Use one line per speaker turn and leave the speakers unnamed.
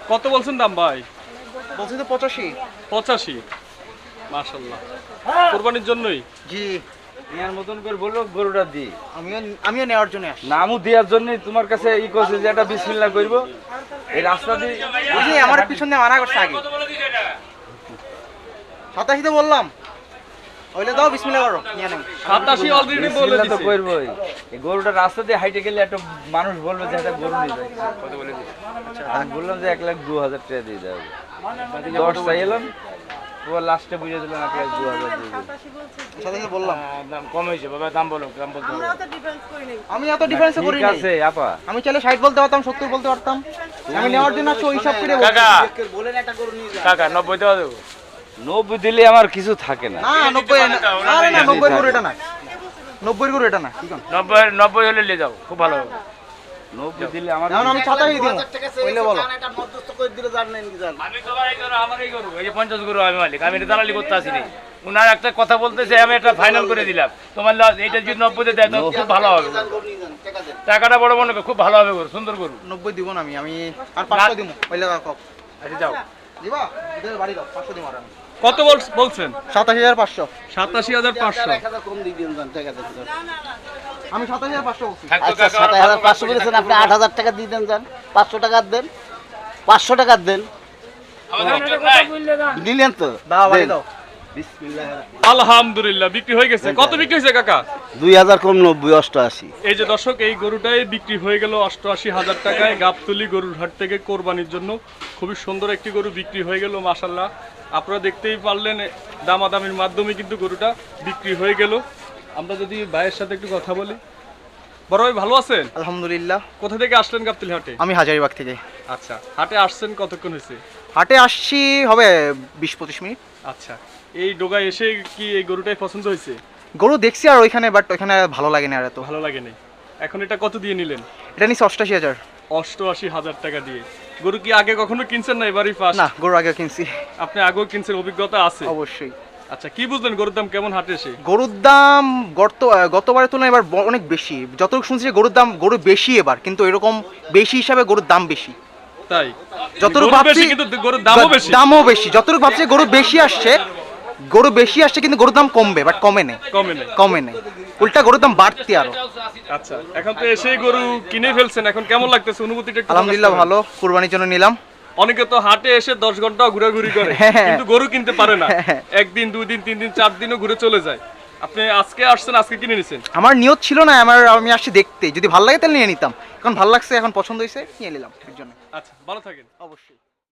কত বলছেন দাম ভাই?
বলছি তো 85।
85। মাশাআল্লাহ, কুরবানির জন্যই?
জি,
ইয়ার মতন করে বললো গরুটা দি।
আমিও নেওয়ার জন্য আসছি।
নামও দেওয়ার জন্য তোমার কাছে ই করছে যে একটা বিসমিল্লাহ করব। এই রাস্তা দিয়ে
বুঝলি আমার পিছন দিয়ে মানা করছে আগে। 87 তো বললাম। ওইলে দাও বিসমিল্লাহ করো, নিয়ে নাও।
87 অলরেডি বলে
বিসমিল্লাহ তো
দিছি।
করবই। এই গরুটা রাস্তা দিয়ে হাইটে গেলে একটা মানুষ বলবে যে একটা গরু নিয়ে যায়। কত বলে দিছি? আমি বললাম যে 1,02,000 টাকা দিয়ে দাও। 10 চাইলাম। ও লাস্টে বুঝে দিলাম 1,02,000 দিয়ে দাও।
87 বললাম।
দাম কম হয়েছে বাবা, দাম বলো, দাম বলতে হবে।
আমি এত ডিফারেন্স করি
ঠিক
না।
আছে আপা।
আমি চাইলে 60 বলতে পারতাম, 70 বলতে পারতাম। আমি নেওয়ার জন্য আসছি, ওই হিসাব করে বলছি।
কাকা কাকা 90 দেওয়া দেবো।
90 দিলে আমার কিছু থাকে না।
না 90 না, আরে না 90 করে এটা না। 90 করে এটা না, ঠিক আছে?
90 হলে নিয়ে যাও, খুব ভালো হবে।
90 দিলে আমার
এখন আমি 87 দিব। ওইলে বলো।
আমি তো ভাই গরু আমারই গরু, এই যে 50 গরু আমি মালিক, আমি এটা দালালি করতে আসিনি। উনার একটা কথা বলতেছে, আমি এটা ফাইনাল করে দিলাম। তোমার এইটা যদি 90 দেয় তো খুব ভালো হবে। টাকাটা বড় মনে করো, খুব ভালো হবে গরু, সুন্দর গরু।
90 দিব না আমি আর 500 দিব। ওইলে দাও কও।
আচ্ছা যাও।
দিবা? এদের বাড়ি দাও, 500 দিব আর আমি।
কত বলছেন?
87,500।
87,500।
আমি 87,500 বলছি।
থাকতো
আচ্ছা
কাকা,
7,500 বলেছেন, আপনি 8,000 টাকা দিয়ে দেন, যান 500 টাকা দেন, 500 টাকা দেন, নিলেন তো
দাও বাড়ি দাও।
আলহামদুলিল্লাহ, বিক্রি হয়ে গেছে। কত বিক্রি হয়েছে কাকা?
2,000 কম 90, 88।
এই যে দর্শক, এই গরুটাই বিক্রি হয়ে গেল 88,000 টাকায় গাবতলী গরুর হাট থেকে কোরবানির জন্য। খুবই সুন্দর একটি গরু বিক্রি হয়ে গেল মাশাআল্লাহ। আপনারা দেখতেই পারলেন, দামাদামির মাধ্যমে কিন্তু গরুটা বিক্রি হয়ে গেল। আমরা যদি ভাইয়ের সাথে একটু কথা বলি। বড় ভাই ভালো আছেন?
আলহামদুলিল্লাহ।
কোথা থেকে আসলেন গাবতলী হাটে?
আমি হাজারিবাগ থেকে।
আচ্ছা, হাটে আসছেন কতক্ষণ হয়েছে?
হাটে আসছি হবে 20-25 মিনিট।
আচ্ছা, এই ডোগায় এসে কি এই গরুটাই পছন্দ হয়েছে?
গরু দেখছি আর ওইখানে, বাট ওইখানে ভালো লাগে না আর এত।
ভালো লাগে নাই। এখন এটা কত দিয়ে নিলেন?
এটা নিচ্ছে 88,000।
88,000 টাকা দিয়ে। গরু কি আগে কখনো কিনছেন না এবারই ফার্স্ট?
না, গরু আগে কিনছি।
আপনি আগেও কিনছেন, অভিজ্ঞতা আছে?
অবশ্যই।
আচ্ছা, কি বুঝলেন গরুর দাম কেমন হাটে এসে?
গরুর দাম গতবারের তুলনায় এবার অনেক বেশি। যতটুকু শুনছি যে গরু বেশি এবার, কিন্তু এরকম বেশি হিসাবে গরুর দাম বেশি।
তাই?
যতটুকু
গরু
ভাবছি
বেশি কিন্তু গরুর দামও বেশি।
দামও বেশি। যতটুকু ভাবছি গরু বেশি আসছে, কিন্তু গরুর দাম কমবে, বাট কমে নেই। কমে নেই, উল্টা গরুর দাম বাড়তি আরো।
আচ্ছা, এখন তো এসেই গরু কিনে ফেলছেন, এখন কেমন লাগতেছে অনুভূতিটা একটু?
আলহামদুলিল্লাহ ভালো, কুরবানির জন্য নিলাম।
অনেকে তো হাটে এসে 10 ঘন্টা ঘোরাঘুরি করে,
হ্যাঁ।
কিন্তু গরু কিনতে পারে না। একদিন, 2 দিন, 3 দিন, 4 দিনও ঘুরে চলে যায়। আপনি আজকে আসছেন, আজকে কিনে নিছেন?
আমার নিয়ত ছিল না, আমি আসছি দেখতে, যদি ভালো লাগে তাহলে নিয়ে নিতাম। এখন ভালো লাগছে, এখন পছন্দ হয়েছে, নিয়ে নিলাম এর জন্য।
আচ্ছা, ভালো থাকেন।
অবশ্যই।